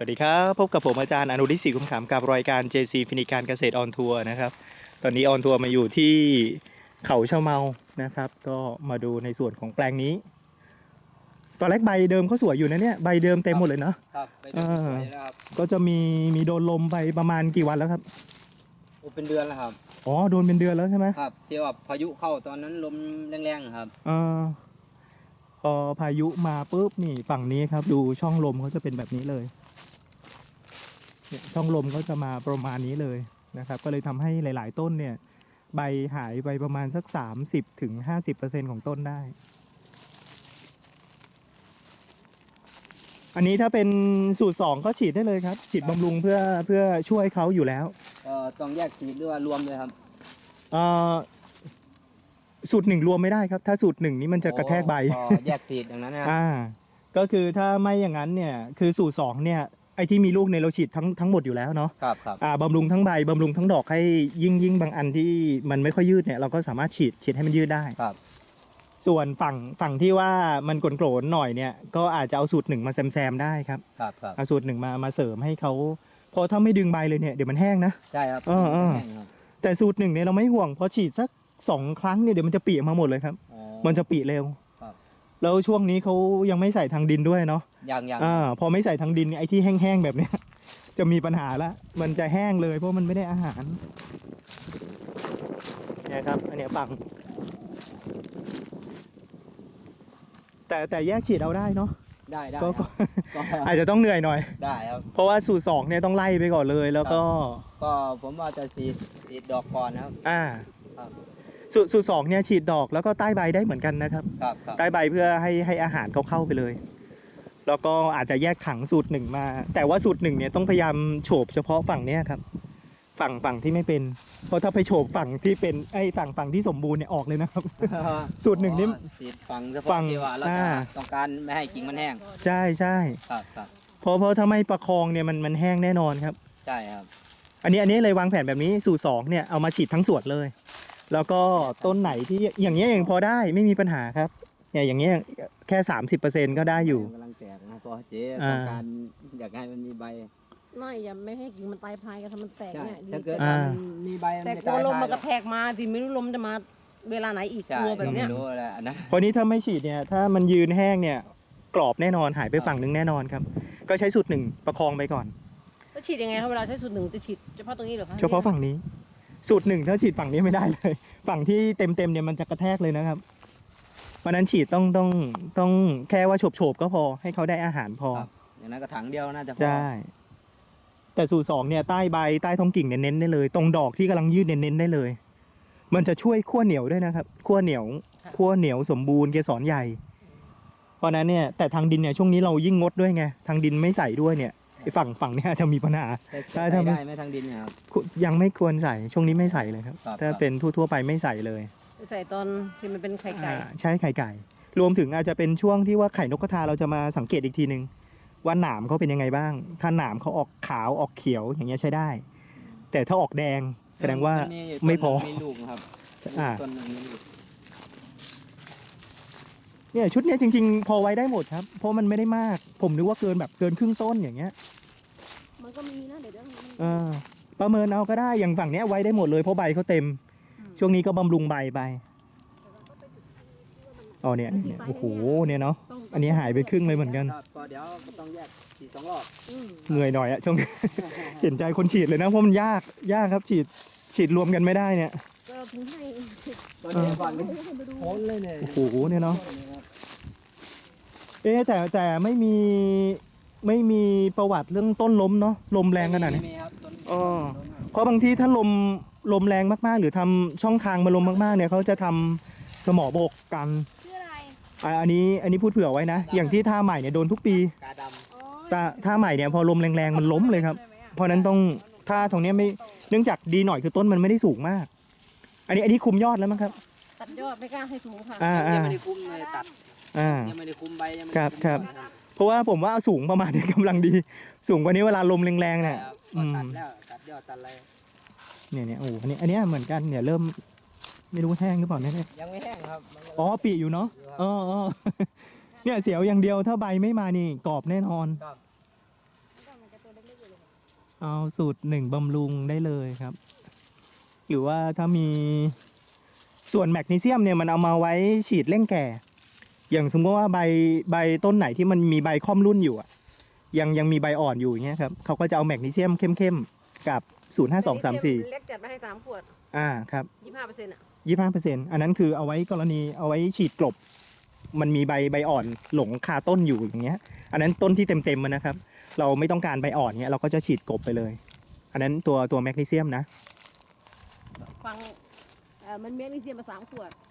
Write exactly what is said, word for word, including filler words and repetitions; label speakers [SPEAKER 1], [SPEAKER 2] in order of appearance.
[SPEAKER 1] วัสดีครับพบกับผมอาจารย์อนุริศรีคุ้มขำกับรายการ เจ ซี ฟินิการเกษตรออนทัวร์นะครับตอนนี้ออนทัวร์มาอยู่ที่เขาชะเมานะครับก็มาดูในส่วนของแปลงนี้ตอนแรกใบเดิมเขาสวยอยู่นะเนี่ยใบเดิมเต็มหมดเลยเนาะ
[SPEAKER 2] ครับไปดูสวยนะครับ
[SPEAKER 1] ก็จะมีมีโดนลมไปประมาณกี่วันแล้วครับ
[SPEAKER 2] โอ้เป็นเดือนแล้วครับ
[SPEAKER 1] อ๋อโดนเป็นเดือนแล้วใช่ไหม
[SPEAKER 2] ครับที่ว่าพายุเข้าตอนนั้นลมแรงๆครับ
[SPEAKER 1] อ่าพอพายุมาปุ๊บนี่ฝั่งนี้ครับดูช่องลมเขาจะเป็นแบบนี้เลยช่องลมก็จะมาประมาณนี้เลยนะครับก็เลยทำให้หลายๆต้นเนี่ยใบหายไปประมาณสัก สามสิบถึงห้าสิบเปอร์เซ็นต์ ของต้นได้อันนี้ถ้าเป็นสูตรสองก็ฉีดได้เลยครับฉีดบำรุงเพื่อเพื่อช่วยเขาอยู่แล้ว
[SPEAKER 2] เอ่อต้องแยกสีหรือว่ารวมเลยครับ
[SPEAKER 1] เอ่อสูตรหนึ่งรวมไม่ได้ครับถ้าสูตรหนึ่งนี้มันจะกระแทกใบ
[SPEAKER 2] แยกสีอย่างนั้นนะ
[SPEAKER 1] อ่าก็คือถ้าไม่อย่างนั้นเนี่ยคือสูตรสองเนี่ยไอ้ที่มีลูกในเราฉีดทั้งทั้งหมดอยู่แล้วเนาะ
[SPEAKER 2] ครับครับ
[SPEAKER 1] อ่าบำรุงทั้งใบบำรุงทั้งดอกให้ยิ่งยิ่งบางอันที่มันไม่ค่อยยืดเนี่ยเราก็สามารถฉีดฉีดให้มันยืดได้
[SPEAKER 2] ครับ
[SPEAKER 1] ส่วนฝั่งฝั่งที่ว่ามันกลนโกรนหน่อยเนี่ยก็อาจจะเอาสูตรหนึ่งมาแซมแซมได้ครับ
[SPEAKER 2] ครับครับ
[SPEAKER 1] เอาสูตรหนึ่งมามาเสริมให้เขาพอถ้าไม่ดึงใบเลยเนี่ยเดี๋ยวมันแห้งนะ
[SPEAKER 2] ใช่ครับ
[SPEAKER 1] เออเออแต่สูตรหนึ่งเนี่ยเราไม่ห่วงพอฉีดสักสองครั้งเนี่ยเดี๋ยวมันจะปีมาหมดเลยครับมันจะปีเร็วแล้วช่วงนี้เขายังไม่ใส่ทางดินด้วยเนาะ
[SPEAKER 2] ยังยัง
[SPEAKER 1] อ่าพอไม่ใส่ทางดินไอ้ที่แห้งๆแบบเนี้ยจะมีปัญหาละมันจะแห้งเลยเพราะมันไม่ได้อาหารเนี่ยครับอันนี้ฝั่งแต่แต่แยกฉีดเอาได้เนาะ
[SPEAKER 2] ได้ได้
[SPEAKER 1] ก็อาจจะต้องเหนื่อยหน่อย
[SPEAKER 2] ได้ครับ
[SPEAKER 1] เพราะว่าสูตรสองเนี่ยต้องไล่ไปก่อนเลยแล้วก็
[SPEAKER 2] ก็ผมว่าจะฉีดฉีดดอกก่อนนะครับ
[SPEAKER 1] อ่าสูตรสูตรสองเนี่ยฉีดดอกแล้วก็ใต้ใบได้เหมือนกันนะครับใต้ใบเพื่อให้ให้อาหารเขาเข้าไปเลยแล้วก็อาจจะแยกถังสูตรหนึ่งมาแต่ว่าสูตรหนึ่งเนี่ยต้องพยายามโฉบเฉพาะฝั่งเนี้ยครับฝั่งฝั่งที่ไม่เป็นเพราะถ้าไปโฉบฝั่งที่เป็นไอ้ฝั่งฝั่งที่สมบูรณ์เนี่ยออกเลยนะครับสูตรหนึ่งนี่
[SPEAKER 2] ฉีดฝั่งเฉพาะที่ว่าเราจะต้องการไม่ให้กิ่งมันแห้ง
[SPEAKER 1] ใช่ใช่
[SPEAKER 2] ครับครับ
[SPEAKER 1] เพราะเพราะถ้าไม่ประคองเนี่ยมันมันแห้งแน่นอนครับ
[SPEAKER 2] ใช่ครับ
[SPEAKER 1] อันนี้อันนี้เลยวางแผนแบบนี้สูตรสองเนี่ยเอามาฉีดทั้งสวนเลยแล้วก็ต้นไหนที่อย่างเงี้ยยังพอได้ไม่มีปัญหาครับเนี่ยอย่างเงี้ยแค่ สามสิบเปอร์เซ็นต์ ก็ได้อยู่
[SPEAKER 2] กำลังแตกนะพอเจ๊ต้องการอยากให้มันมีใบ
[SPEAKER 3] ไม่อย่าไม่ให้กิ่งมันตายพายกันทำมันแตกเนี่ย
[SPEAKER 2] ถ้าเกิดมันมีใบ
[SPEAKER 3] แต่กลัวลมมันกระแทกมาที่ไม่รู้ลมจะมาเวลาไหนอีกกลัวแบบเนี้ย
[SPEAKER 2] รู้แหละนะ
[SPEAKER 1] พอนี้ถ้าไม่ฉีดเนี่ยถ้ามันยืนแห้งเนี่ยกรอบแน่นอนหายไปฝั่งนึงแน่นอนครับก็ใช้สูตรหนึ่งประคองไปก่อน
[SPEAKER 3] จะฉีดยังไงครับเวลาใช้สูตรหนึ่งจะฉีดเฉพาะตรงนี้หรือคะ
[SPEAKER 1] เฉพาะฝั่งนี้สูตรหนึ่งถ้าฉีดฝั่งนี้ไม่ได้เลยฝั่งที่เต็มเต็มเนี่ยมันจะกระแทกเลยนะครับเพราะนั้นฉีดต้องต้องต้องแค่ว่าโฉบโฉบก็พอให้เขาได้อาหารพอ
[SPEAKER 2] อย่างนั้นก็ถังเดียวน่าจะพอ
[SPEAKER 1] ใช่แต่สูตรสองเนี่ยใต้ใบใต้ท้องกิ่งเน้นๆได้เลยตรงดอกที่กำลังยืดเน้นๆได้เลยมันจะช่วยขั้วเหนียวด้วยนะครับขั้วเหนียวขั้วเหนียวสมบูรณ์เกสรใหญ่เพราะนั้นเนี่ยแต่ทางดินเนี่ยช่วงนี้เรายิ่งงดด้วยไงทางดินไม่ใส่ด้วยเนี่ยไอ้ฝั่งฝั่งเนี้ยจะมีปัญหา
[SPEAKER 2] ใช่ได้ไหมทางดินครับ
[SPEAKER 1] ยังไม่ควรใส่ช่วงนี้ไม่ใส่เลยครับถ้าเป็นทั่วๆไปไม่ใส่เลย
[SPEAKER 3] ใส่ตอนที่มันเป็นไข่ไก่
[SPEAKER 1] ใช่ไข่ไก่รวมถึงอาจจะเป็นช่วงที่ว่าไข่นกกระทาเราจะมาสังเกตอีกทีนึงว่าหนามเขาเป็นยังไงบ้างถ้าหนามเขาออกขาวออกเขียวอย่างเงี้ยใช้ได้แต่ถ้าออกแดงแสดงว่าไม่พออ่าเนี่ยชุดนี้จริงๆพอไว้ได้หมดครับเพราะมันไม่ได้มากผมนึกว่าเกินแบบเกินครึ่งต้นอย่างเงี้ย
[SPEAKER 3] มันก็มีนะเดี๋ยว
[SPEAKER 1] เออประเมินเอาก็ได้อย่างฝั่งเนี้ยไว้ได้หมดเลยเพราะใบเขาเต็มช่วงนี้ก็บำรุงใบไปอ๋อเนี่ยโอ้โหเนี่ยเนาะอันนี้หายไปครึ่งเลยเหมือนกัน
[SPEAKER 2] ก็เดี๋ยวต้องแยกฉีดสองรอบ
[SPEAKER 1] เหนื่อยหน่อยอะช่วงเห็นใจคนฉีดเลยนะเพราะมันยากยากครับฉีดฉีดรวมกันไม่ได้เนี่ย
[SPEAKER 3] ก็ถึงให้
[SPEAKER 2] ตอนนี้ก่อนโค้นเลยเนี่ย
[SPEAKER 1] โอ้โหเนี่ยเนาะเอ๊แต่แต่ไม่มีไม่มีประวัติเรื่องต้นล้มเนาะลมแรงขนาดนี้อ๋อเพราะบางทีถ้าลมลมแรงมากๆหรือทำช่องทางมาลมมากๆเนี่ยเขาจะทำสมอบกกันอันนี้อันนี้พูดเผื่อไว้นะอย่างที่ท่าใหม่เนี่ยโดนทุกปีแต่ท่าใหม่เนี่ยพอลมแรงๆมันล้มเลยครับเพราะนั้นต้องท่าตรงนี้ไม่เนื่องจากดีหน่อยคือต้นมันไม่ได้สูงมากอันนี้อันนี้คุมยอดแล้วมั้งครับ
[SPEAKER 3] ตัดยอดไม่กล้าให้สูงค่ะ
[SPEAKER 2] ยังไม่ได้คุมเลยตัดยังไม่ได้คุมใบยังไม่
[SPEAKER 1] ครับครับเพราะว่าผมว่าสูงประมาณนี้กำลังดีสูงกว่านี้เวลาลมแรงๆเนี่ย
[SPEAKER 2] ตัดแล้วตัดยอดตัดอะไร
[SPEAKER 1] เนี่ยเนี่ยโอ้อันนี้อันนี้เหมือนกันเนี่ยเริ่มไม่รู้แห้งหรือเปล่าเนี่ย
[SPEAKER 2] ยังไม่แห้งครับ
[SPEAKER 1] อ๋อปีอยู่เนาะอ๋อเนี่ยเสียวอย่างเดียวถ้าใบไม่มานี่กรอบแน่นอนเอาสูตรหนึ่งบำรุงได้เลยครับ หรือว่าถ้ามีส่วนแมกนีเซียมเนี่ยมันเอามาไว้ฉีดเร่งแก่ อย่างสมมติว่าใบใบต้นไหนที่มันมีใบค่อมรุ่นอยู่อะยังยังมีใบอ่อนอยู่อย่างเงี้ยครับเขาก็จะเอาแมกนีเซียมเข้มๆกับศูนย์ห้าสองสามสี่
[SPEAKER 3] เล็กจัดมาให้สามขวด
[SPEAKER 1] อ่าครับ
[SPEAKER 3] ยี่สิบห้าเปอร์เซ็นต์อ่ะ
[SPEAKER 1] ยี่ห้าเปอร์เซ็นต์อันนั้นคือเอาไว้กรณีเอาไว้ฉีดกลบ มันมีใบใบอ่อนหลงคาต้นอยู่อย่างเงี้ย อันนั้นต้นที่เต็มเต็มๆมันนะครับ เราไม่ต้องการใบอ่อนเงี้ยเราก็จะฉีดกลบไปเลย อันนั้นตัวตัวแมกนีเซียมนะ
[SPEAKER 3] ฟังเออมันเมกนีเซียมมาสามขวด